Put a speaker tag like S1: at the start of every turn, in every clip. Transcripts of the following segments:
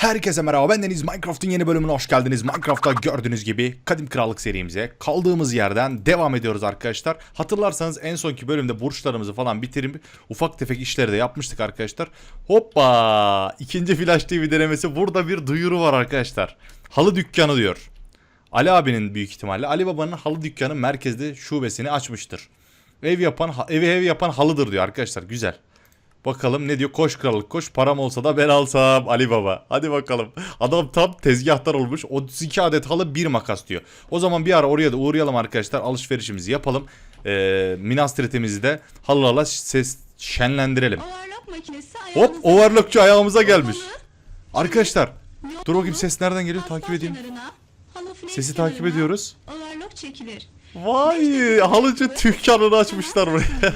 S1: Herkese merhaba, bendeniz. Minecraft'ın yeni bölümüne hoş geldiniz. Minecraft'ta gördüğünüz gibi Kadim Krallık serimize kaldığımız yerden devam ediyoruz arkadaşlar. Hatırlarsanız en sonki bölümde burçlarımızı falan bitirip ufak tefek işleri de yapmıştık arkadaşlar. Hoppa! İkinci Flash TV denemesi. Burada bir duyuru var arkadaşlar. Halı dükkanı diyor. Ali abinin büyük ihtimalle. Ali Baba'nın halı dükkanı merkezde şubesini açmıştır. Ev yapan halıdır diyor arkadaşlar. Güzel. Bakalım ne diyor? Koş krallık koş. Param olsa da ben alsam Ali Baba. Hadi bakalım. Adam tam tezgahtar olmuş. 32 adet halı, bir makas diyor. O zaman bir ara oraya da uğrayalım arkadaşlar. Alışverişimizi yapalım. Minas Tirith'imizi de halılarla şenlendirelim. Hop, overlockçu ayağımıza gelmiş. Arkadaşlar dur bakayım, ses nereden geliyor? Takip edeyim. Sesi takip ediyoruz.
S2: Overlock çekilir.
S1: Vay, halıcı dükkanını açmışlar buraya.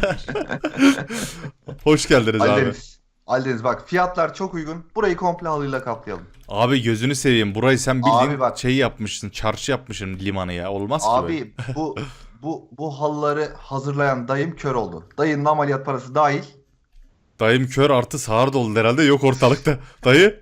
S1: Hoş geldiniz abi.
S3: Ali Deniz bak, fiyatlar çok uygun. Burayı komple halıyla kaplayalım.
S1: Abi gözünü seveyim, burayı sen bildiğin
S3: Abi bak,
S1: şey yapmışsın, çarşı yapmışsın limanı ya, olmaz ki böyle.
S3: abi bu halıları hazırlayan dayım kör oldu. Dayının ameliyat parası dahil.
S1: Dayım kör artı sağır doldu herhalde, yok ortalıkta. Dayı.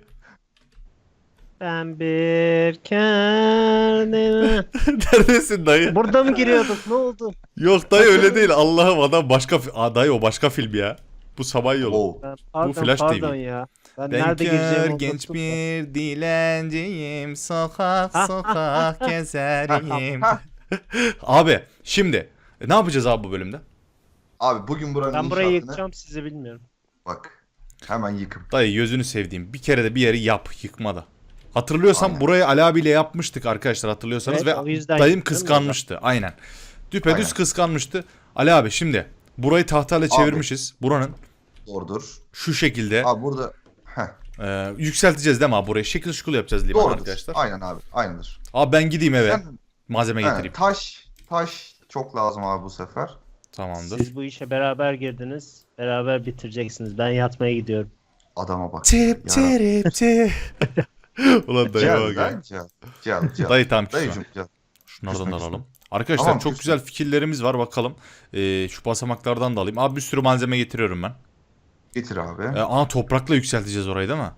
S4: Ben bir kendime...
S1: Neredesin dayı?
S4: Burada mı giriyorduk? Ne oldu?
S1: Yok dayı, öyle değil, Allah'ım, adam başka dayı, o başka film ya. Bu sabah yolu.
S3: Oo.
S4: Pardon,
S1: Flash TV.
S4: pardon ya. Ben
S1: Ben
S4: nerede
S1: kör
S4: gireceğimi
S1: genç
S4: unuttum.
S1: bir dilenciyim, sokak sokak gezerim. Abi şimdi ne yapacağız abi bu bölümde?
S3: Abi bugün buranın
S4: Ben burayı
S3: inşaatını...
S4: yıkacağım, sizi bilmiyorum.
S3: Bak, hemen yıkım.
S1: Dayı gözünü sevdiğim, bir kere de bir yeri yap, yıkmada. Hatırlıyorsam
S3: Aynen.
S1: burayı Ali abiyle yapmıştık arkadaşlar, hatırlıyorsanız,
S4: Evet,
S1: ve
S4: o yüzden
S1: dayım
S4: yıktım
S1: kıskanmıştı. Aynen. Düpedüz
S3: Aynen.
S1: kıskanmıştı. Ali abi şimdi burayı tahtayla çevirmişiz. Buranın
S3: Doğrudur.
S1: şu şekilde
S3: Abi burada...
S1: yükselteceğiz değil mi abi burayı? Şekil şukul yapacağız liman
S3: Doğrudur.
S1: arkadaşlar.
S3: Aynen abi, aynıdır.
S1: Abi ben gideyim eve.
S3: Sen-
S1: Malzeme getireyim.
S3: Taş çok lazım abi bu sefer.
S1: Tamamdır.
S4: Siz bu işe beraber girdiniz. Beraber bitireceksiniz. Ben yatmaya gidiyorum.
S3: Adama bak.
S1: Tip
S3: Yarabbim.
S1: tip tip. Ulan dayı
S3: Gel
S1: bak ya.
S3: lan, gel.
S1: Dayı tam küsme.
S3: Dayıcım gel.
S1: Şunlardan da
S3: Küsme,
S1: alalım.
S3: küsme.
S1: Arkadaşlar
S3: Tamam,
S1: çok
S3: küsme.
S1: güzel fikirlerimiz var, bakalım. Şu basamaklardan da alayım. Abi bir sürü malzeme getiriyorum ben.
S3: Getir abi.
S1: Toprakla yükselteceğiz orayı değil mi?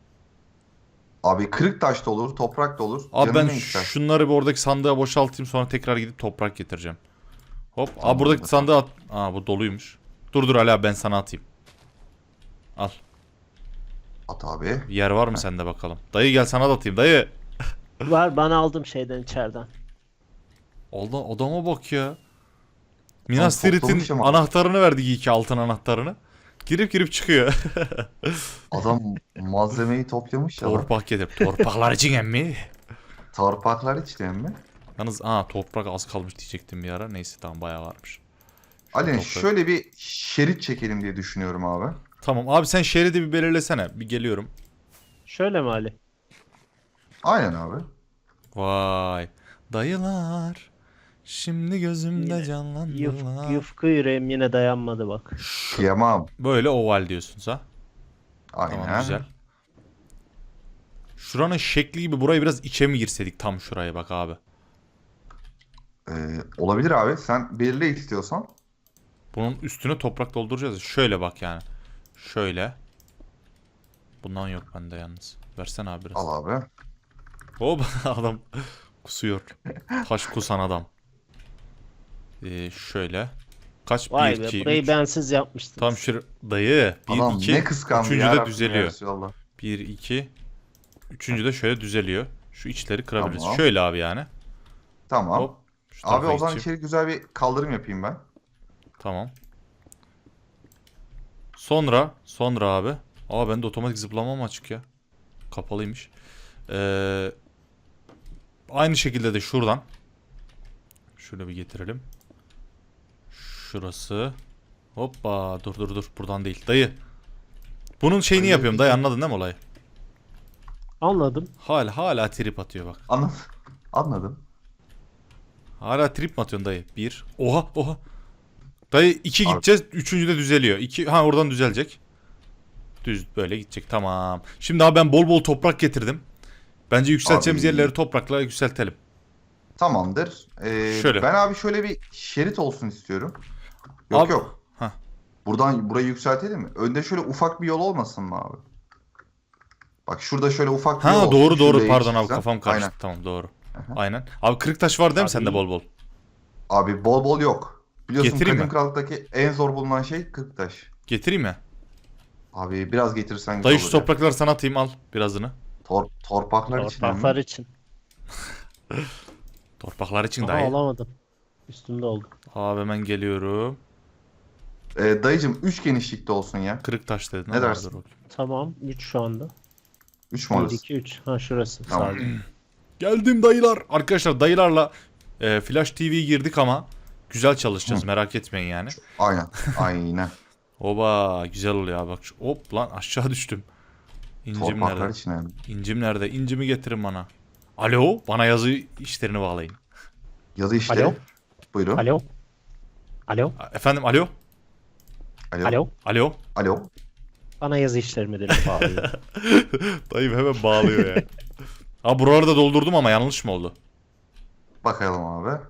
S3: Abi kırık taş da olur, toprak da olur.
S1: Abi
S3: Canın
S1: ben
S3: ne ister?
S1: şunları bir oradaki sandığa boşaltayım, sonra tekrar gidip toprak getireceğim. Hop.
S3: Tamam,
S1: Buradaki
S3: bakalım.
S1: sandığa at. Bu doluymuş. Dur Ali abi, ben sana atayım. Al.
S3: At abi.
S1: Yer var mı sende bakalım? Dayı gel, sana da atayım dayı.
S4: Var, bana aldım şeyden, içeriden.
S1: Adama bak ya. Minas Tirith'in
S3: toplamış ama.
S1: anahtarını verdik, iki altın anahtarını. Girip çıkıyor.
S3: Adam malzemeyi toplamış ya lan.
S1: Torpak getir. Torpaklar için emmi.
S3: Torpaklar içten mi?
S1: Yalnız toprak az kalmış diyecektim bir ara. Neyse tamam, bayağı varmış.
S3: Ali
S1: toprak.
S3: şöyle bir şerit çekelim diye düşünüyorum abi.
S1: Tamam abi, sen şeridi bir belirlesene. Bir geliyorum.
S4: Şöyle mi Ali?
S3: Aynen abi.
S1: Vay. Dayılar. Şimdi gözümde
S4: Yine
S1: canlandılar.
S4: Yufka yüreğim yine dayanmadı bak.
S3: Kıyamam.
S1: Böyle oval diyorsunuz ha.
S3: Aynen.
S1: Tamam, güzel. Şuranın şekli gibi burayı biraz içe mi girsedik, tam şuraya bak abi.
S3: Olabilir abi. Sen belirle istiyorsan.
S1: Bunun üstüne toprak dolduracağız. Şöyle bak yani. Şöyle. Bundan yok bende yalnız. Versene abi biraz.
S3: Al abi.
S1: Hop, adam kusuyor. Taş kusan adam. Şöyle. Kaç?
S4: Vay
S1: 1,
S4: be,
S1: 2,
S4: burayı
S1: 3.
S4: bensiz yapmıştın.
S1: Tam şu dayı. 1,
S3: Adam
S1: 2.
S3: ne kıskandı
S1: Üçüncü
S3: ya
S1: de
S3: Rabbim
S1: düzeliyor.
S3: ya Resulallah.
S1: 1, 2. Üçüncü de şöyle düzeliyor. Şu içleri kırabiliriz.
S3: Tamam.
S1: Şöyle abi yani.
S3: Tamam.
S1: Hop. Şu
S3: Abi
S1: tarafa
S3: o zaman
S1: geçeyim.
S3: içeri güzel bir kaldırım yapayım ben.
S1: Tamam. Sonra abi. Bende otomatik zıplama mı açık ya? Kapalıymış. Aynı şekilde de şuradan. Şöyle bir getirelim. Şurası. Hoppa, dur. Buradan değil. Dayı. Bunun şeyini
S3: Dayı,
S1: yapıyorum dayı, anladın değil mi olayı?
S4: Anladım.
S1: Hala trip atıyor bak.
S3: Anladım.
S1: Hala trip mi atıyorsun dayı? 1. Oha. Dayı 2
S3: Abi.
S1: gideceğiz. Üçüncü de düzeliyor. 2. Oradan düzelecek. Düz böyle gidecek. Tamam. Şimdi abi ben bol toprak getirdim. Bence yükselteceğimiz
S3: Abi.
S1: yerleri toprakla yükseltelim.
S3: Tamamdır.
S1: Şöyle.
S3: Ben abi şöyle bir şerit olsun istiyorum.
S1: Abi-
S3: Yok.
S1: Hah.
S3: Burayı yükseltelim mi? Önde şöyle ufak bir yol olmasın mı abi? Bak şurada şöyle ufak bir
S1: Ha
S3: yol olsun.
S1: doğru
S3: Şuraya
S1: pardon abi
S3: geçeceğim.
S1: kafam karıştı.
S3: Aynen.
S1: Tamam doğru.
S3: Aha.
S1: Aynen. Abi kırık taş var değil mi
S4: Abi
S1: sende
S4: iyi.
S1: bol bol?
S3: Abi bol bol yok. Biliyorsun
S1: Getireyim
S3: Kadim
S1: mi?
S3: Krallık'taki en zor bulunan şey kırktaş.
S1: Getireyim mi?
S3: Abi biraz getirsen güzel
S1: Dayı
S3: olur
S1: şu
S3: ya.
S1: toprakları sana atayım al birazını.
S3: Torpaklar için
S4: Torpaklar
S3: mi?
S4: için.
S1: Torpaklar için
S4: Aha
S1: dayı.
S4: alamadım. Üstümde oldu.
S1: Abi hemen geliyorum.
S3: Dayıcım 3 genişlikte olsun ya.
S1: Kırık taş dedin
S3: Ne
S1: ama
S3: dersin?
S1: dur bakayım.
S4: Tamam 3 şu anda.
S3: 3 mü
S4: 1,
S3: orası?
S4: 2, 3. Ha şurası
S3: Tamam.
S4: sadece.
S1: Geldim dayılar. Arkadaşlar dayılarla Flash TV girdik ama güzel çalışacağız merak etmeyin yani.
S3: Aynen. Aynen.
S1: Oba güzel oluyor abi bak. Hop lan aşağı düştüm. İncim
S3: Torpaklar
S1: nerede?
S3: için yani.
S1: İncim nerede? İncimi getirin bana. Alo bana yazı işlerini bağlayın.
S3: Yazı işte.
S4: Alo?
S3: Buyurun.
S4: Alo? Alo?
S1: Efendim alo?
S3: Alo.
S4: Alo?
S1: Alo?
S3: Alo.
S4: Bana yazı işleri müdürü bağlıyor.
S1: Dayım hemen bağlıyor ya. Abi buraları da doldurdum ama yanlış mı oldu?
S3: Bakalım abi.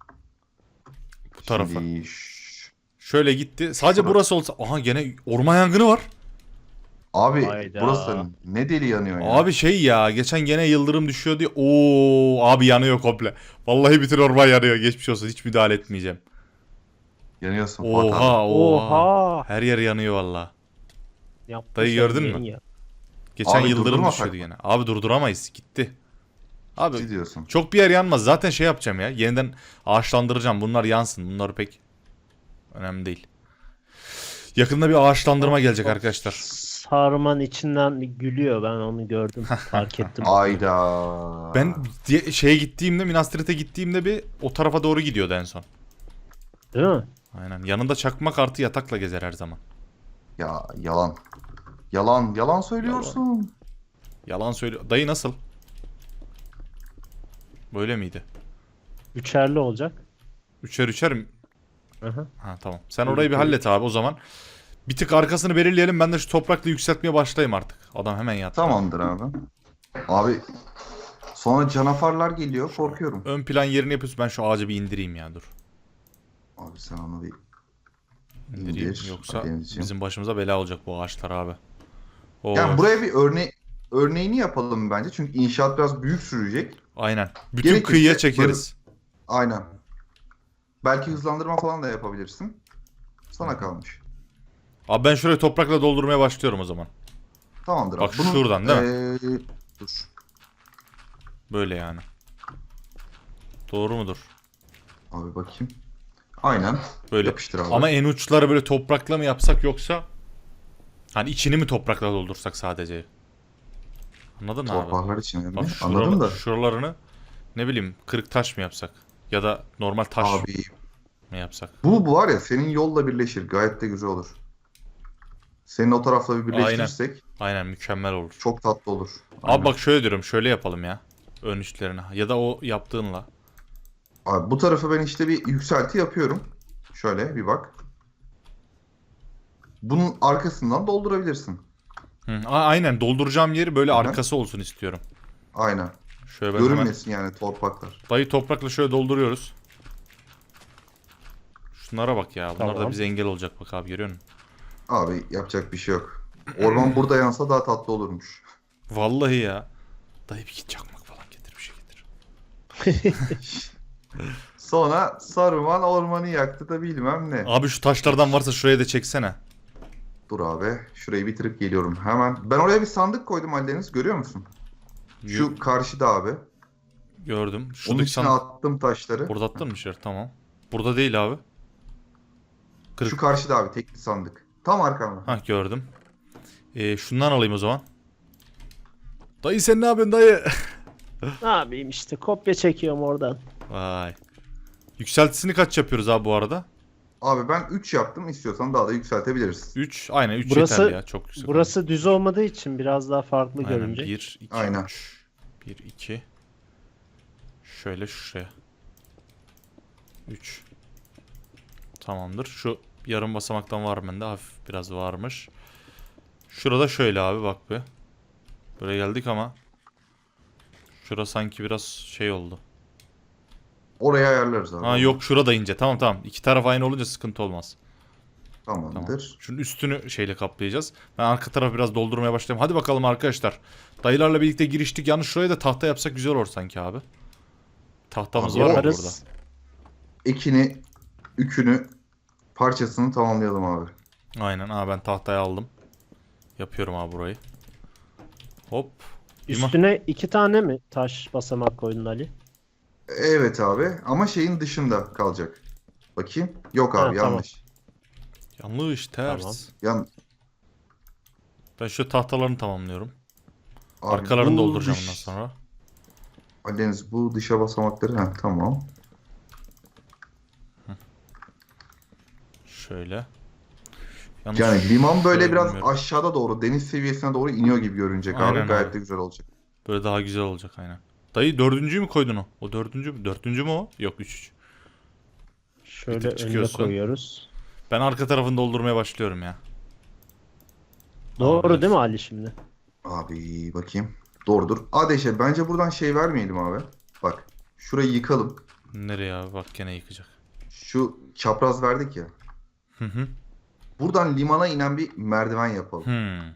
S1: Bu tarafa.
S3: Şimdi
S1: Şöyle gitti. Sadece
S3: Şurada.
S1: burası olsa. Aha gene orman yangını var.
S3: abi
S4: Hayda.
S3: burası ne deli yanıyor ya.
S1: Abi şey ya geçen gene yıldırım düşüyor diye. Oo abi yanıyor komple. Vallahi bütün orman yanıyor. Geçmiş olsun hiç müdahale etmeyeceğim.
S3: Yanıyorsun Fuat abi.
S1: Oha oha.
S4: Oha!
S1: Her yer yanıyor valla.
S4: Yapmış
S1: Dayı gördün
S4: yemin
S1: mü?
S4: ya.
S1: Geçen
S3: Abi
S1: yıldırım
S3: durdurmasak
S1: düşüyordu
S3: mı?
S1: gene. Abi durduramayız gitti. Abi
S3: Ciddi diyorsun.
S1: çok bir yer yanmaz. Zaten şey yapacağım ya. Yeniden ağaçlandıracağım. Bunlar yansın. Bunlar pek önemli değil. Yakında bir ağaçlandırma gelecek arkadaşlar.
S4: Sarman içinden gülüyor. Ben onu gördüm. Fark ettim.
S3: Ayda.
S1: Ben şeye gittiğimde Minas Tirith'e gittiğimde bir o tarafa doğru gidiyordu en son.
S4: Değil mi?
S1: Aynen. Yanında çakmak artı yatakla gezer her zaman.
S3: Ya yalan. Yalan söylüyorsun.
S1: Yalan söylüyor. Dayı nasıl? Böyle miydi?
S4: Üçerli olacak.
S1: Üçer üçer mi?
S4: Aha.
S1: Ha tamam. Sen orayı bir hallet abi o zaman. Bir tık arkasını belirleyelim. Ben de şu toprakla yükseltmeye başlayayım artık. Adam hemen yattı.
S3: Tamamdır abi. Abi sonra canavarlar geliyor korkuyorum.
S1: Ön plan yerini yapıyorsun. Ben şu ağacı bir indireyim ya dur.
S3: Abi sen onu bir
S1: İndireyim.
S3: İndir.
S1: Yoksa
S3: Denizciğim.
S1: bizim başımıza bela olacak bu ağaçlar abi. Oo.
S3: yani buraya bir örneğini yapalım bence. Çünkü inşaat biraz büyük sürecek.
S1: Aynen. Bütün
S3: Gerekirse
S1: kıyıya çekeriz.
S3: Aynen. Belki hızlandırma falan da yapabilirsin. Sana kalmış.
S1: Abi ben şurayı toprakla doldurmaya başlıyorum o zaman.
S3: Tamamdır
S1: Bak
S3: abi. Bunun,
S1: şuradan değil mi?
S3: Dur.
S1: Böyle yani. Doğru mudur?
S3: Abi bakayım. Aynen.
S1: Böyle.
S3: Yapıştır abi.
S1: Ama en uçları böyle toprakla mı yapsak yoksa hani içini mi toprakla doldursak sadece? Anladın mı abi?
S3: Torpaklar için
S1: Bak
S3: önemli. Anladım da.
S1: şuralarını ne bileyim kırık taş mı yapsak? Ya da normal taş
S3: Abi
S1: mı yapsak?
S3: bu var ya senin yolla birleşir. Gayet de güzel olur. Senin o tarafla bir birleştirirsek
S1: Aynen mükemmel olur.
S3: çok tatlı olur.
S1: Abi bak şöyle diyorum şöyle yapalım ya. Ön üstlerine ya da o yaptığınla.
S3: Abi bu tarafa ben işte bir yükselti yapıyorum. Şöyle bir bak. Bunun arkasından doldurabilirsin.
S1: Hı, aynen dolduracağım yeri böyle
S3: Hı hı.
S1: arkası olsun istiyorum.
S3: Aynen.
S1: Şöyle ben hemen
S3: Görünmesin yani torpaklar.
S1: dayı toprakla şöyle dolduruyoruz. Şunlara bak ya. Bunlar da
S4: Tamam.
S1: bize engel olacak bak abi görüyor musun?
S3: Abi yapacak bir şey yok. Orman burada yansa daha tatlı olurmuş.
S1: Vallahi ya. Dayı bir git çakmak falan getir bir şey getir.
S3: Sonra Saruman ormanı yaktı da bilmem ne.
S1: Abi şu taşlardan varsa şuraya da çeksene.
S3: Dur abi. Şurayı bitirip geliyorum hemen. Ben oraya bir sandık koydum Aldeniz. Görüyor musun? Şu karşıda abi.
S1: Gördüm.
S3: Onun
S1: Şuradaki
S3: içine attım taşları.
S1: Burada attın mı şer? Tamam. Burada değil abi. Kırık.
S3: Şu karşıda abi tekli sandık. Tam arkamda.
S1: Hah gördüm. Şundan alayım o zaman. Dayı sen ne yapıyorsun dayı?
S4: Ne yapayım işte kopya çekiyorum oradan.
S1: Vay. Yükseltisini kaç yapıyoruz abi bu arada?
S3: Abi ben 3 yaptım. İstiyorsan daha da yükseltebiliriz.
S1: 3. Aynen 3
S4: Burası-
S1: yeterli ya. Çok yüksek.
S4: Burası düz olmadığı için biraz daha farklı
S1: Aynen
S4: görünecek.
S1: 1, 2,
S3: Aynen.
S1: 3. 1, 2. Şöyle şuraya. 3. Tamamdır. Şu yarım basamaktan var mı bende? Hafif biraz varmış. Şurada şöyle abi bak be. Böyle geldik ama. Şura sanki biraz şey oldu.
S3: Oraya ayarlarız abi.
S1: Ha yok şurada ince. Tamam tamam. İki taraf aynı olunca sıkıntı olmaz. Tamam.
S3: Tamamdır.
S1: Şunun üstünü şeyle kaplayacağız. Ben arka tarafı biraz doldurmaya başlayayım. Hadi bakalım arkadaşlar. Dayılarla birlikte giriştik. Yalnız şuraya da tahta yapsak güzel olur sanki abi. Tahtamız
S3: Abi
S1: var mı
S4: Yaparız.
S1: burada?
S3: Ekini, ükünü, parçasını tamamlayalım abi.
S1: Aynen. Ben tahtayı aldım. Yapıyorum abi burayı. Hop.
S4: Üstüne 2 tane mi taş basamak koydun Ali?
S3: Evet abi ama şeyin dışında kalacak. Bakayım. Yok
S4: Ha,
S3: abi
S4: tamam.
S3: yanlış.
S1: Yanlış, ters.
S4: Tamam.
S3: Yan
S1: Ben şu tahtalarını tamamlıyorum.
S3: abi
S1: Arkalarını
S3: bu
S1: dolduracağım
S3: dış-
S1: ondan sonra.
S3: Ali Deniz bu dışa basamakları tamam.
S1: Şöyle. Yalnız
S3: Yani liman böyle
S1: şöyle
S3: biraz
S1: bilmiyorum.
S3: aşağıda doğru deniz seviyesine doğru iniyor gibi görünecek
S1: Aynen
S3: abi. Gayet
S1: abi.
S3: de güzel olacak.
S1: Böyle daha güzel olacak aynen. Dayı dördüncüyü mü koydun o? O dördüncü mü? Dördüncü mü o? Yok, üç.
S4: Şöyle
S1: tık
S4: önüne
S1: çıkıyorsun.
S4: koyuyoruz.
S1: Ben arka tarafını doldurmaya başlıyorum ya.
S4: Doğru
S1: Abi.
S4: değil mi Ali şimdi?
S3: Abi bakayım. Doğrudur. Adeşe bence buradan şey vermeyelim abi. Bak şurayı yıkalım.
S1: Nereye abi? Bak gene yıkacak.
S3: Şu çapraz verdik ya.
S1: Hı hı.
S3: Buradan limana inen bir merdiven yapalım.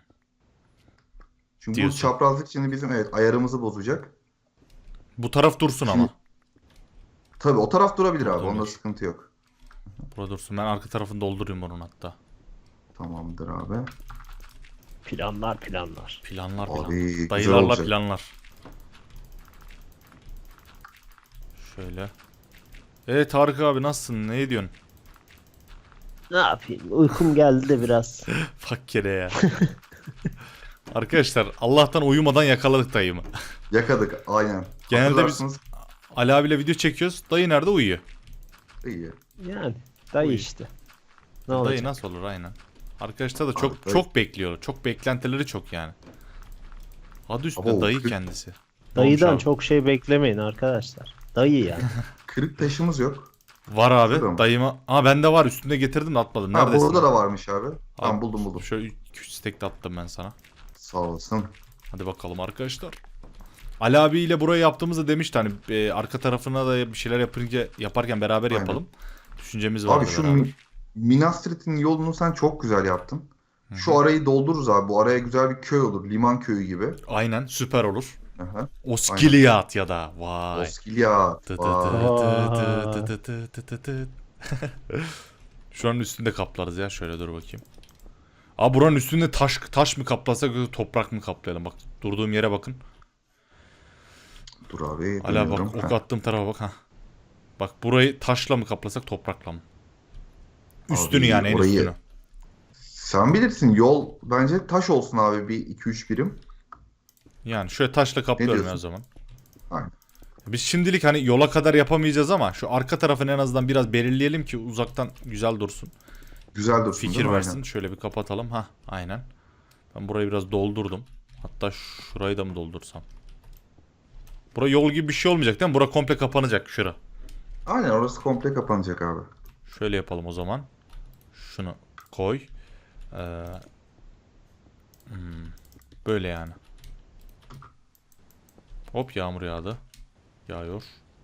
S3: Çünkü
S1: Diyorsun.
S3: bu çaprazlık şimdi bizim ayarımızı bozacak.
S1: Bu taraf dursun ama.
S3: Tabii o taraf durabilir abi.
S1: Durabilir.
S3: Onda sıkıntı yok.
S1: Burada dursun. Ben arka tarafını doldurayım onun hatta.
S3: Tamamdır abi.
S4: Planlar planlar.
S1: Planlar
S3: Abi,
S1: planlar.
S3: güzel
S1: Dayılarla
S3: olacak.
S1: planlar. Şöyle. Evet Tarık abi nasılsın? Ne ediyorsun?
S4: Ne yapayım? Uykum geldi de biraz.
S1: Fakkere ya. Arkadaşlar Allah'tan uyumadan yakaladık dayımı.
S3: Yakadık aynen.
S1: Genelde biz
S3: Hatırlarsınız,
S1: Ali abiyle video çekiyoruz. Dayı nerede uyuyor?
S3: iyi.
S4: Yani dayı
S1: Uy.
S4: işte. Ne
S1: Dayı
S4: olacak?
S1: nasıl olur aynen. Arkadaşlar da çok
S3: dayı-
S1: çok bekliyor. Çok beklentileri çok yani. Adı üstünde
S3: Abo,
S1: dayı
S3: kırk-
S1: kendisi.
S4: Dayıdan
S1: Olmuş abi.
S4: çok şey beklemeyin arkadaşlar. Dayı ya.
S3: Kırık taşımız yok.
S1: Var abi.
S3: Şurada mı?
S1: Dayıma. Bende var. Üstünde getirdim de atmadım.
S3: Ha
S1: Neredesin?
S3: burada da varmış abi. Tamam
S1: Abi,
S3: buldum.
S1: Şöyle 2-3 stack de attım ben sana.
S3: Sağ olasın.
S1: Hadi bakalım arkadaşlar. Ali abiyle burayı yaptığımızda demişti hani arka tarafına da bir şeyler yaparken beraber
S3: Aynen.
S1: yapalım. Düşüncemiz vardı
S3: Abi şu
S1: beraber.
S3: Minas Tirith'in yolunu sen çok güzel yaptın. Şu arayı doldururuz abi. Bu araya güzel bir köy olur. Liman köyü gibi.
S1: Aynen süper olur.
S3: Aha.
S1: Oskiliyat ya da vay.
S3: Oskilya.
S1: Tı tı
S3: Vay.
S1: tı tı tı tı tı tı tı. Şu an üstünde kaplarız ya. Şöyle dur bakayım. Buranın üstünde taş mı kaplasak yoksa toprak mı kaplayalım? Bak durduğum yere bakın.
S3: Dur abi.
S1: Hala bak
S3: dönüyorum.
S1: ok
S3: Ha.
S1: attığım tarafa bak ha. Bak burayı taşla mı kaplasak toprakla mı? Üstünü
S3: Abi,
S1: yani en
S3: orayı-
S1: üstünü.
S3: Sen bilirsin. Yol bence taş olsun abi. Bir 2-3 birim.
S1: Yani şöyle taşla kaplıyorum ya o
S3: diyorsun?
S1: zaman.
S3: Aynen.
S1: Biz şimdilik hani yola kadar yapamayacağız ama şu arka tarafını en azından biraz belirleyelim ki uzaktan güzel dursun.
S3: Güzel dursun değil
S1: Fikir
S3: mi?
S1: versin.
S3: Aynen.
S1: Şöyle bir kapatalım. Ha, aynen. Ben burayı biraz doldurdum. Hatta şurayı da mı doldursam? Bura yol gibi bir şey olmayacak değil mi? Bura komple kapanacak şura.
S3: Aynen orası komple kapanacak abi.
S1: Şöyle yapalım o zaman. Şunu koy. Ee, böyle yani. Hop yağmur yağdı. Yağıyor.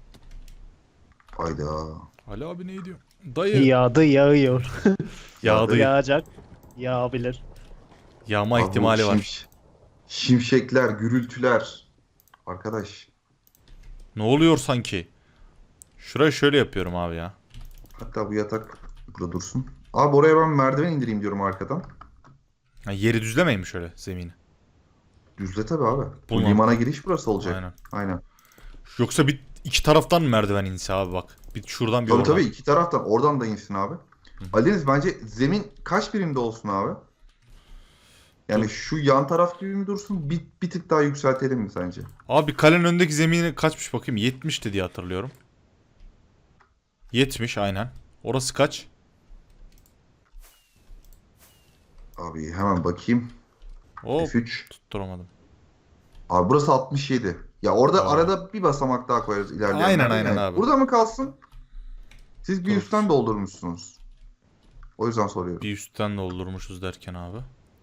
S3: Hayda.
S1: Ali abi ne diyor? Dayı.
S4: Yağdı yağıyor.
S1: Yağdı.
S4: Yağacak. Yağabilir.
S1: Yağma
S3: Abi bu
S1: ihtimali var.
S3: Şimşekler, gürültüler. Arkadaş.
S1: Ne oluyor sanki? Şurayı şöyle yapıyorum abi ya.
S3: Hatta bu yatak burada dursun. Abi oraya ben merdiven indireyim diyorum arkadan.
S1: Ha, yeri düzlemeyin mi şöyle zemini?
S3: Düzle tabii abi. Bu
S1: Bulmam.
S3: limana giriş burası olacak.
S1: Aynen.
S3: Aynen.
S1: Yoksa iki taraftan mı merdiven inse abi bak. Bir şuradan bir
S3: Tabii
S1: oradan.
S3: tabii iki taraftan. Oradan da insin abi. Ali Deniz bence zemin kaç birimde olsun abi? Yani şu yan taraf gibi mi dursun? Bir tık daha yükseltelim mi sence?
S1: Abi kalenin önündeki zemini kaçmış bakayım? 70'ti diye hatırlıyorum. 70 aynen. Orası kaç?
S3: Abi hemen bakayım.
S1: Hop
S3: F3.
S1: tutturamadım.
S3: Abi burası 67. Ya orada
S1: Aa.
S3: arada bir basamak daha koyarız ilerleyen.
S1: Aynen,
S3: yerde.
S1: aynen
S3: Yani
S1: abi.
S3: Burada mı kalsın? Siz bir
S1: Dur.
S3: üstten doldurmuşsunuz. O yüzden soruyorum.
S1: Bir üstten doldurmuşuz derken abi.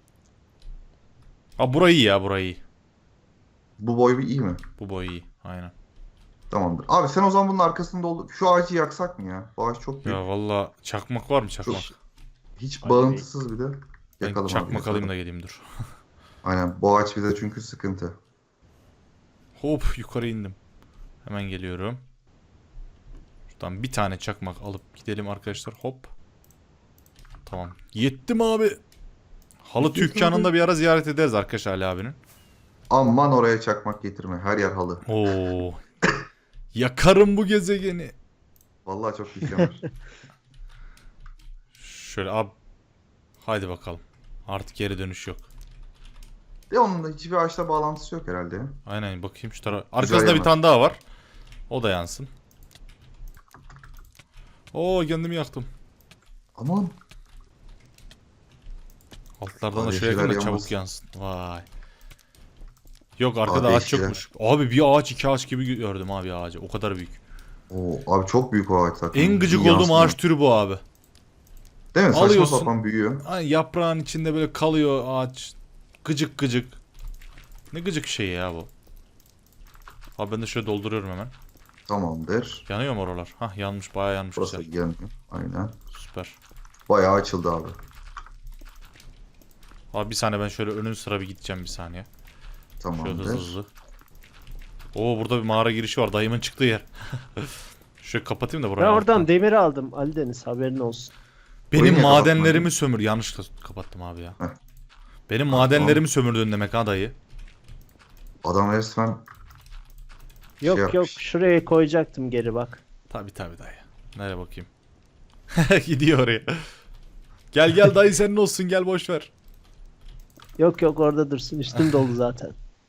S1: Burayı iyi ya burayı iyi.
S3: Bu boy bir iyi mi?
S1: Bu boy iyi. Aynen.
S3: Tamamdır. Abi sen o zaman bunun arkasını doldur. Şu ağacı yaksak mı ya? Bu ağaç çok büyük.
S1: Ya valla çakmak var mı çakmak?
S3: Hiç
S4: Ali
S3: bağımsız bir de.
S1: Ben
S3: Yakalım abi,
S1: çakmak
S3: yakalım.
S1: alayım da geleyim dur.
S3: Aynen, bu ağaç bize çünkü sıkıntı.
S1: Hop yukarı indim. Hemen geliyorum. Şuradan bir tane çakmak alıp gidelim arkadaşlar. Hop. Tamam. Yettim abi. Halı
S3: Yettim
S1: dükkanında bir ara ziyaret ederiz arkadaşlar Ali abinin.
S3: Aman oraya çakmak getirme. Her yer halı.
S1: Oo. Yakarım bu gezegeni.
S3: Vallahi çok pis yanar.
S1: Şöyle abi. Haydi bakalım. Artık geri dönüş yok.
S3: De onun da hiçbir ağaçla bağlantısı yok herhalde ya.
S1: Aynen bakayım şu tarafa. Arkasında bir
S3: yanar.
S1: tane daha var. O da yansın. Oo kendimi yaktım.
S3: Aman.
S1: Altlardan da
S3: Abi
S1: şöyle yakın da
S3: yeşiller
S1: çabuk
S3: yanmasın.
S1: yansın. Vay. Yok arkada
S3: Abi
S1: ağaç
S3: yeşiller.
S1: yokmuş. Abi bir ağaç iki ağaç gibi gördüm abi ağacı. O kadar büyük.
S3: Oo, abi çok büyük o ağaç zaten.
S1: En gıcık
S3: İyi
S1: olduğum
S3: yansımıyor.
S1: ağaç türü bu abi.
S3: Değil mi? Saçma
S1: alıyorsun.
S3: sapan büyüyor.
S1: Hani yaprağın içinde böyle kalıyor ağaç. Gıcık gıcık. Ne gıcık şey ya bu. Abi ben de şöyle dolduruyorum hemen.
S3: Tamamdır.
S1: Yanıyor mu oralar? Hah yanmış bayağı yanmış
S3: Burası
S1: güzel.
S3: yanıyor. Aynen.
S1: Süper.
S3: Bayağı açıldı abi.
S1: Abi bir saniye ben şöyle önün sıra bir gideceğim bir saniye. Şöyle hızlı
S3: Tamamdır.
S1: hızlı. Oo burada bir mağara girişi var. Dayımın çıktığı yer. Şöyle kapatayım da
S4: Ben
S1: burayı.
S4: oradan
S1: alttan.
S4: demir aldım Ali Deniz, haberin olsun.
S1: Benim
S3: Orayı niye
S1: madenlerimi sömür. Yanlışlıkla kapattım abi ya.
S3: Heh.
S1: Benim madenlerimi sömürdün demek ha dayı.
S3: Adam resmen
S4: Yok
S3: yapmış.
S4: yok, şuraya koyacaktım geri bak.
S1: Tabi tabi dayı. Nereye bakayım. Gidiyor oraya. Gel gel dayı senin olsun gel boş ver.
S4: Yok yok, orada dursun, üstüm dolu zaten.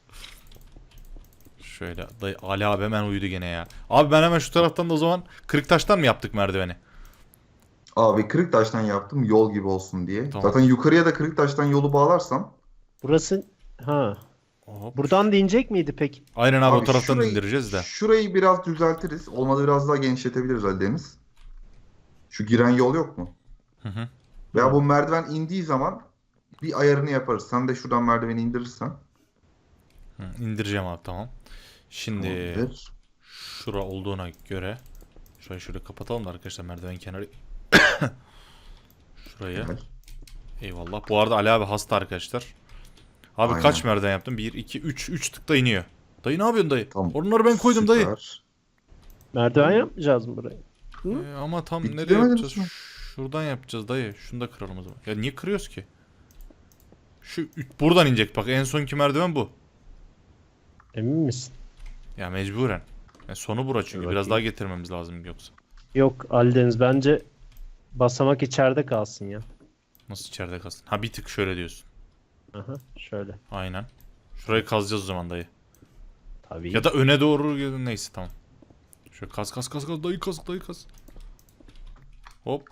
S1: Şöyle dayı Ali abi hemen uyudu gene ya. Abi ben hemen şu taraftan da o zaman kırık taştan mı yaptık merdiveni?
S3: abi kırık taştan yaptım yol gibi olsun diye.
S1: Tamam.
S3: Zaten yukarıya da kırık taştan yolu bağlarsam
S4: Burası, ha,
S1: Hop.
S4: buradan da inecek miydi peki?
S1: Aynen abi, o
S3: abi
S1: taraftan indireceğiz de.
S3: şurayı biraz düzeltiriz. Olmadı biraz daha genişletebiliriz Ali Deniz. Şu giren yol yok mu?
S1: Hı hı.
S3: Veya bu merdiven indiği zaman bir ayarını yaparız. Sen de şuradan merdiveni indirirsen.
S1: Hı, indireceğim abi tamam. Şimdi
S3: Tamamdır.
S1: şura olduğuna göre şurayı şöyle kapatalım da arkadaşlar merdiven kenarı. Şurayı.
S3: Güzel.
S1: Eyvallah. Bu arada Ali abi hasta arkadaşlar. Abi
S3: Aynen.
S1: kaç merdiven yaptım? 1, 2, 3. 3 tıkta iniyor. Dayı ne yapıyorsun dayı?
S3: Tamam.
S1: Onları ben koydum dayı.
S3: Süper.
S4: Merdiven yapmayacağız mı burayı?
S1: Ama tam
S3: Bitti
S1: nereye
S3: demedin
S1: yapacağız?
S3: mi?
S1: Şuradan yapacağız dayı. Şunu da kıralım o zaman. Ya niye kırıyoruz ki? Buradan inecek bak. En sonki merdiven bu.
S4: Emin misin?
S1: Ya mecburen. Yani sonu bura çünkü.
S4: Dur
S1: Biraz
S4: bakayım.
S1: daha getirmemiz lazım yoksa.
S4: Yok Ali Deniz, bence basamak içeride kalsın ya.
S1: Nasıl içeride kalsın? Ha bir tık şöyle diyorsun.
S4: Aha, şöyle.
S1: Aynen. Şurayı kazacağız o zaman dayı.
S4: Tabii.
S1: Ya da öne doğru neyse tamam. Şöyle kaz dayı kaz. Hop.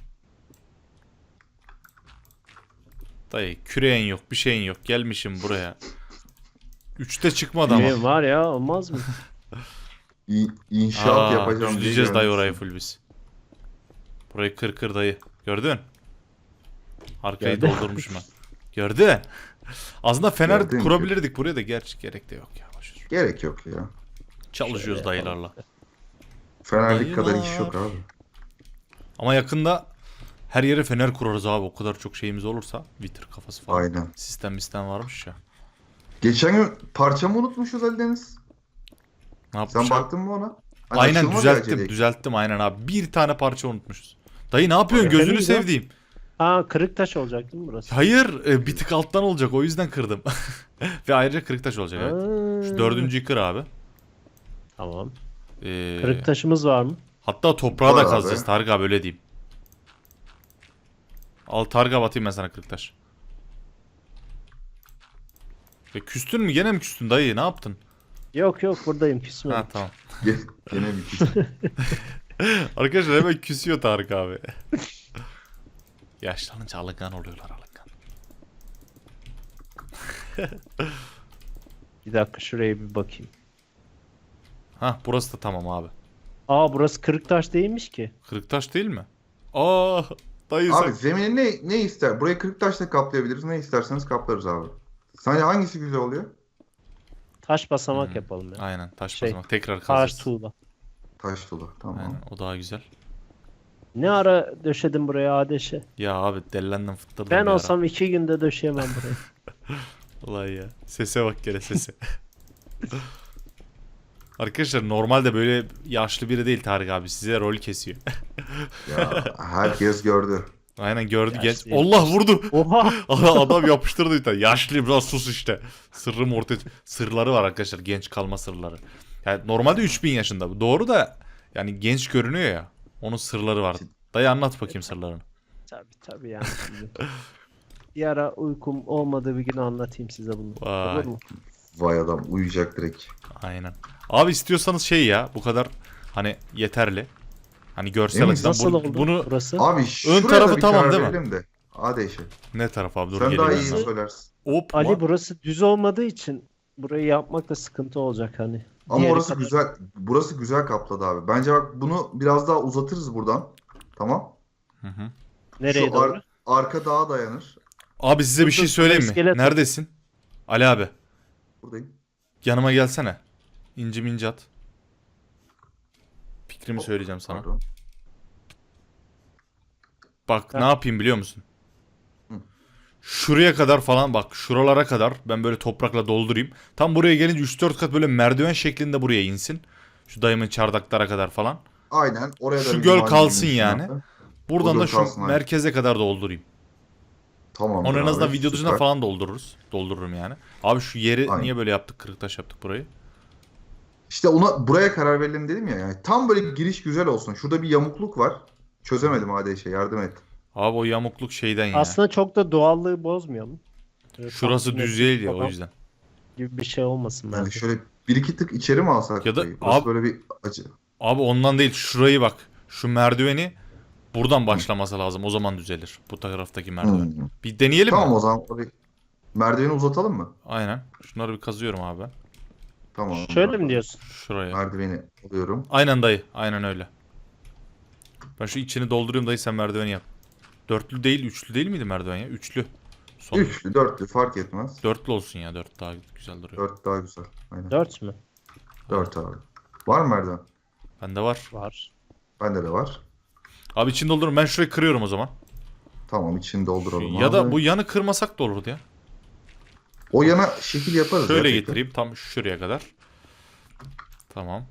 S1: Dayı küreğin yok bir şeyin yok. Gelmişim buraya. 3'te çıkmadı ama.
S4: Benim var ya, olmaz mı?
S3: İnşaat yapacağım diye
S1: Düzleyeceğiz dayı orayı
S3: gelmişsin.
S1: full biz. Burayı kır dayı. Gördün? Arkayı
S4: Gördüm.
S1: doldurmuşum ben. Gördün? Aslında fener
S3: Gördüm,
S1: kurabilirdik buraya da gerçi gerek de yok ya. Boş ver.
S3: Gerek yok ya.
S1: Çalışıyoruz
S4: Şöyle
S1: dayılarla.
S3: Fenerlik kadar iş
S1: Dayılar.
S3: yok abi.
S1: Ama yakında her yere fener kurarız abi. O kadar çok şeyimiz olursa. Vitir kafası falan.
S3: Aynen.
S1: Sistem varmış ya.
S3: Geçen gün parçamı unutmuşuz Ali Deniz.
S1: Ne yapmış
S3: Sen
S1: abi?
S3: baktın mı ona? Hani
S1: Aynen
S3: açılmadı
S1: düzelttim.
S3: acele.
S1: Düzelttim aynen abi. Bir tane parça unutmuşuz. Dayı ne yapıyorsun?
S4: Efendim
S1: Gözünü
S4: ya?
S1: sevdiğim.
S4: Aa, kırık taş olacak değil mi burası?
S1: Hayır, bir tık alttan olacak. O yüzden kırdım. Ve ayrıca kırık taş olacak evet. Şu dördüncüyü kır abi.
S4: Tamam.
S1: Ee,
S4: Kırık taşımız var mı?
S1: Hatta toprağı
S3: Var
S1: da
S3: abi.
S1: kazacağız Tarık abi öyle diyeyim. Al Tarık abi atayım ben sana kırık taş. Küstün mü? Gene mi küstün dayı? Ne yaptın?
S4: Yok yok, buradayım, küsmedim.
S1: Ha tamam.
S3: Gene bir kişi.
S1: Arkadaşlar hemen küsüyor Tarık abi. Yaşlanınca alıngan oluyorlar alıngan.
S4: Bir dakika, şuraya bir bakayım.
S1: Ha burası da tamam abi.
S4: Aa, burası kırık taş değilmiş ki.
S1: Kırık taş değil mi? Aa dayı
S3: Abi
S1: sen...
S3: zemini ne ister? Burayı kırık taşla kaplayabiliriz. Ne isterseniz kaplarız abi. Sence hangisi güzel oluyor?
S4: Taş basamak yapalım ya.
S1: Aynen taş
S4: Şey,
S1: basamak. Tekrar
S4: Taş
S1: kazacağız.
S4: tuğla.
S3: Taş dolu. Tamam.
S1: Aynen o daha güzel.
S4: Ne ara döşedin buraya Adeş'e?
S1: Ya abi dellendim fıttırdım
S4: Ben
S1: bir ara.
S4: olsam 2 günde döşeyemem burayı.
S1: Ulan ya. Sese bak gene sese. Arkadaşlar normalde böyle yaşlı biri değil Tarık abi. Size rol kesiyor.
S3: Ya herkes gördü.
S1: Aynen gördü genç.
S4: Yaşlı.
S1: Allah vurdu.
S4: Oha!
S1: Adam yapıştırdı bir tane. Yaşlıyım lan sus işte. Sırrım ortaya sırları var arkadaşlar. Genç kalma sırları. Yani normalde 3000 yaşında. Doğru da yani genç görünüyor ya. Onun sırları var. Dayı anlat bakayım sırlarını.
S4: Tabii yani şimdi. Bir ara uykum olmadığı bir gün anlatayım size bunu.
S1: Vay.
S4: Olur mu?
S3: Vay adam uyuyacak direkt.
S1: Aynen. Abi istiyorsanız şey ya bu kadar hani yeterli. Hani görsel
S3: Emin,
S1: açıdan
S4: Nasıl oldu
S1: bunu
S4: burası?
S3: Abi şuraya
S1: tarafı
S3: da bir
S1: tamam
S3: karar
S1: değil mi?
S3: verelim de. Hadi eşe.
S1: ne taraf abi dur
S3: Sen daha iyi
S1: geliyorum.
S3: söylersin.
S1: Hop.
S4: Ali burası düz olmadığı için burayı yapmak da sıkıntı olacak hani.
S3: Ama
S4: Diğeri
S3: orası
S4: kadar.
S3: güzel. Burası güzel kapladı abi. Bence bak bunu biraz daha uzatırız buradan. Tamam.
S1: Hı hı.
S4: Nereye
S3: Şu
S4: doğru?
S3: arka dağa dayanır.
S1: Abi size bir
S4: Dur,
S1: şey
S4: dur,
S1: söyleyeyim mi?
S4: iskelet var.
S1: Neredesin? Ali abi.
S3: Buradayım.
S1: Yanıma gelsene. İnci minci at. Fikrimi söyleyeceğim sana.
S3: Pardon.
S1: Bak
S4: Ha.
S1: ne yapayım biliyor musun?
S3: Hı.
S1: Şuraya kadar falan bak şuralara kadar ben böyle toprakla doldurayım. Tam buraya gelince 3-4 kat böyle merdiven şeklinde buraya insin. Şu dayımın çardaklara kadar falan.
S3: Aynen. Oraya da
S1: Şu
S3: bir
S1: göl
S3: liman
S1: kalsın
S3: girmiş
S1: yani.
S3: abi.
S1: Buradan
S3: O
S1: da
S3: göl
S1: şu
S3: kalsın, aynen.
S1: merkeze kadar doldurayım.
S3: Tamamdır
S1: Onu en azından
S3: abi,
S1: video dışında
S3: süper.
S1: falan doldururuz. Doldururum yani. Abi şu yeri
S3: Aynen.
S1: niye böyle yaptık? Kırıktaş yaptık burayı.
S3: İşte buraya karar verelim dedim ya. Yani tam böyle giriş güzel olsun. Şurada bir yamukluk var. Çözemedim hadi eşe yardım et.
S1: Abi o yamukluk şeyden ya.
S4: Aslında çok da doğallığı bozmuyor mu? Böyle
S1: Şurası
S4: tam
S1: düz
S4: simetrik
S1: değil ya o
S4: falan
S1: yüzden.
S4: gibi bir şey olmasın
S3: Yani
S4: bence.
S3: şöyle bir iki tık içeri mi alsak?
S1: Ya da-
S3: burayı? Burası
S1: abi-
S3: böyle bir acı.
S1: Abi ondan değil şurayı bak. Şu merdiveni buradan başlaması lazım. O zaman düzelir. Bu taraftaki merdiven.
S3: Hmm.
S1: Bir deneyelim
S3: Tamam
S1: mi?
S3: o zaman orayı merdiveni uzatalım mı?
S1: Aynen. Şunları bir kazıyorum abi ben.
S3: Tamam.
S4: Şöyle mi diyorsun?
S1: Şuraya.
S3: Merdiveni alıyorum.
S1: Aynen dayı. Aynen öyle. Ben şu içini dolduruyorum dayı sen merdiveni yap. Dörtlü değil, üçlü değil miydi merdiven ya? Üçlü. Son.
S3: Üçlü, dörtlü fark etmez.
S1: Dörtlü olsun ya. Dört daha güzel duruyor.
S3: Dört daha güzel. Aynen.
S4: 4 mü?
S3: Dört abi. Var mı merdiven?
S1: Bende var.
S4: Var.
S3: Bende de var.
S1: Abi içini doldururum. Ben şurayı kırıyorum o zaman.
S3: Tamam içini dolduralım
S1: Ya
S3: abi.
S1: da bu yanı kırmasak da olurdu ya.
S3: O yana şekil yaparız.
S1: Şöyle
S3: gerçekten.
S1: getireyim tam şuraya kadar. Tamam.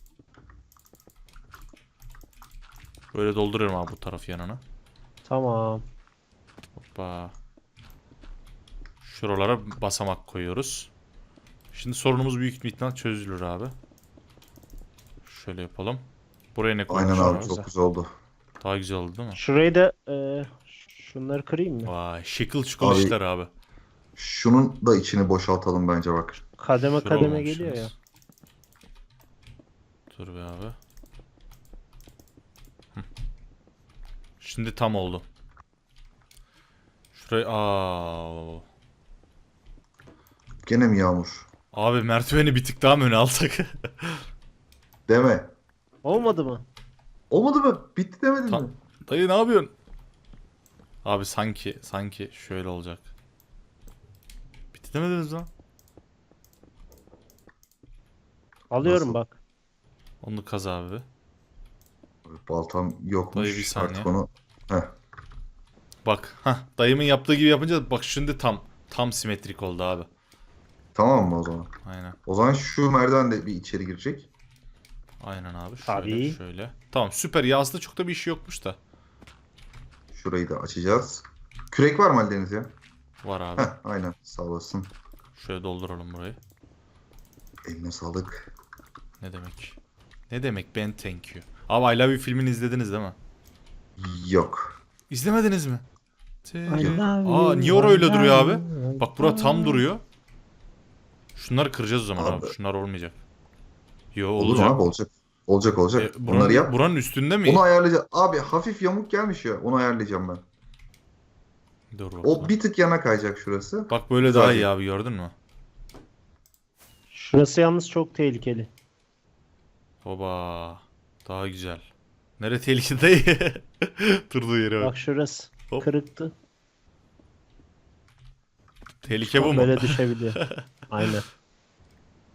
S1: Böyle dolduruyorum abi bu taraf yanına.
S4: Tamam.
S1: Hoppa. Şuralara basamak koyuyoruz. Şimdi sorunumuz büyük bir ihtimal çözülür abi. Şöyle yapalım. Buraya ne
S3: Aynen
S1: koyalım?
S3: abi çok güzel oldu.
S1: Daha güzel oldu değil mi?
S4: Şurayı da şunları kırayım mı?
S1: Vay şıkıl şıkıl
S3: Abi-
S1: işler abi.
S3: Şunun da içini boşaltalım bence bak.
S4: Kademe
S1: Şura
S4: kademe
S1: olmamışsınız.
S4: geliyor ya.
S1: Dur be abi. Hı. Şimdi tam oldu. Şurayı
S3: Gene mi yağmur?
S1: abi merdiveni bir tık daha mı öne alsak?
S3: Deme.
S4: Olmadı mı?
S3: Olmadı mı? Bitti demedin
S1: Tam-
S3: mi?
S1: Dayı ne yapıyorsun? Abi sanki şöyle olacak. Bitti demediniz lan.
S4: Alıyorum
S3: Nasıl?
S4: bak.
S1: Onu kaz abi.
S3: Baltam yokmuş.
S1: Dayı bir saniye.
S3: Artık onu... Heh.
S1: Bak, dayımın yaptığı gibi yapınca bak şimdi tam simetrik oldu abi.
S3: Tamam mı o zaman?
S1: Aynen.
S3: O zaman şu merdiven de bir içeri girecek.
S1: Aynen abi. Şöyle
S4: Tabii.
S1: şöyle. Tamam süper ya aslında çok da bir işi yokmuş da.
S3: Şurayı da açacağız. Kürek var mı Aldeniz ya?
S1: Var abi.
S3: Heh, aynen sağ olasın.
S1: Şöyle dolduralım burayı.
S3: Eline sağlık.
S1: Ne demek? Ne demek ben thank you. Abi I Love You filmini izlediniz değil mi?
S3: Yok.
S1: İzlemediniz mi?
S4: I love
S1: Aa
S4: you,
S1: niye orada öyle
S4: I
S1: duruyor
S4: love
S1: abi?
S4: you.
S1: Bak bura tam duruyor. Şunları kıracağız o zaman abi.
S3: Abi.
S1: Şunlar olmayacak. Yo
S3: Olur
S1: olacak.
S3: abi olacak. Olacak. Bunları yap.
S1: Buranın üstünde mi?
S3: Onu ayarlayacağım. Abi hafif yamuk gelmiş ya. Onu ayarlayacağım ben.
S1: Dur bakalım.
S3: O bir tık yana kayacak şurası.
S1: Bak böyle
S3: Güzel
S1: daha
S3: değil.
S1: iyi abi gördün mü?
S4: Şurası yalnız çok tehlikeli.
S1: Oba. Daha güzel. Nere tehlikeli değil. Durduğu yere bak.
S4: Bak şurası
S1: Hop.
S4: kırıktı.
S1: Tehlike bu mu?
S4: Böyle düşebiliyor. Aynen.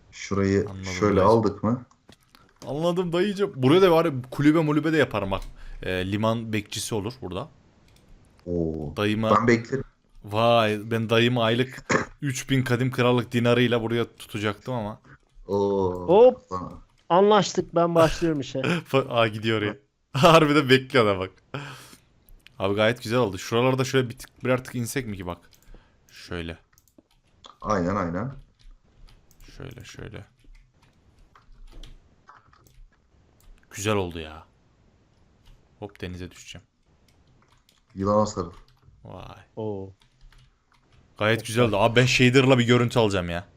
S3: Şurayı
S1: Anladım
S3: şöyle
S1: dayı.
S3: aldık mı?
S1: Anladım dayıcım. Buraya da var ya kulübe mulübe de yaparım bak. liman bekçisi olur burada.
S3: Oo.
S1: Dayıma
S3: Ben beklerim.
S1: vay ben dayımı aylık 3000 kadim krallık dinarıyla buraya tutacaktım ama.
S3: Oo.
S4: Hop.
S3: Sana.
S4: Anlaştık, ben başlıyorum işe.
S1: Aa gidiyor ya. Harbiden bekliyor da bak. Abi gayet güzel oldu. Şuralarda şöyle birer tık insek mi ki bak. Şöyle.
S3: Aynen aynen.
S1: Şöyle. Güzel oldu ya. Hop denize düşeceğim.
S3: Yılana sarıl.
S1: Vay.
S4: Oo.
S1: Gayet güzel oldu. Abi ben shader'la bir görüntü alacağım ya.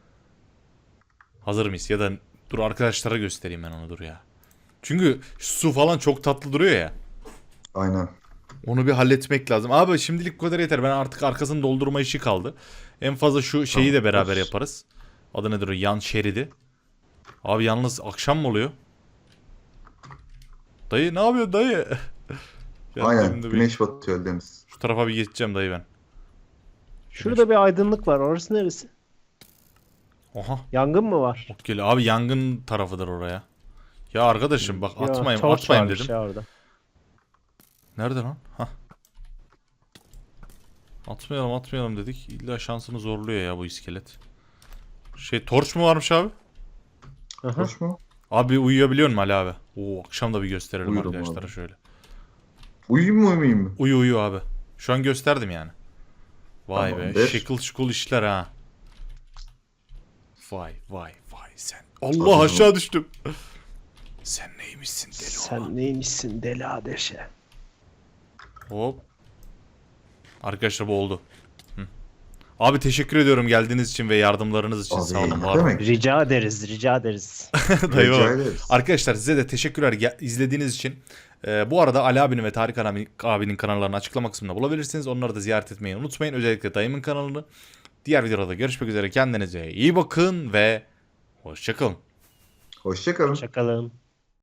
S1: Hazır mıyız? Ya da dur arkadaşlara göstereyim ben onu dur ya. Çünkü su falan çok tatlı duruyor ya.
S3: Aynen.
S1: Onu bir halletmek lazım. Abi şimdilik bu kadar yeter. Ben artık arkasını doldurma işi kaldı. En fazla şu şeyi de beraber
S3: Tamam.
S1: yaparız. Adı nedir o? Yan şeridi. Abi yalnız akşam mı oluyor? Dayı ne yapıyorsun dayı? Gel
S3: Aynen.
S1: benim de bir-
S3: Güneş batıyor Deniz.
S1: Şu tarafa bir geçeceğim dayı ben.
S4: Şurada bir aydınlık var. Orası neresi?
S1: Oha.
S4: Yangın mı var?
S1: Geliyor. Abi yangın tarafıdır oraya. Ya arkadaşım bak
S4: Ya,
S1: atmayayım
S4: torç
S1: atmayayım
S4: varmış
S1: dedim.
S4: ya orada.
S1: Nerede lan? Hah. Atmayalım dedik. İlla şansını zorluyor ya bu iskelet. Torç mu varmış abi?
S4: Aha.
S3: Hoş mu?
S1: Abi uyuyabiliyor musun Ali abi? Oo akşam da bir gösterelim
S3: Uyurum
S1: arkadaşlara
S3: abi.
S1: şöyle.
S3: Uyuyayım mı uyumayayım mı?
S1: Uyu abi. Şu an gösterdim yani. Vay be.
S3: Tamamdır.
S1: Şekil şukul işler ha. Vay sen. Allah
S3: Hadi
S1: aşağı düştüm. Sen neymişsin deli oğlan?
S4: Sen neymişsin deli adeşe?
S1: Hop. Arkadaşlar bu oldu. Hı. Abi teşekkür ediyorum geldiğiniz için ve yardımlarınız için.
S3: Abi,
S1: Sağ olun.
S3: ne
S1: Var olun.
S3: demek?
S4: Rica ederiz, rica ederiz.
S1: Dayı
S3: Rica
S1: bak.
S3: ederiz.
S1: Arkadaşlar size de teşekkürler izlediğiniz için. Bu arada Ali abinin ve Tarık abinin kanallarını açıklama kısmında bulabilirsiniz. Onları da ziyaret etmeyi unutmayın. Özellikle dayımın kanalını. Diğer videoda görüşmek üzere. Kendinize iyi bakın ve hoşçakalın.
S3: Hoşça kalın.
S4: Hoşçakalın.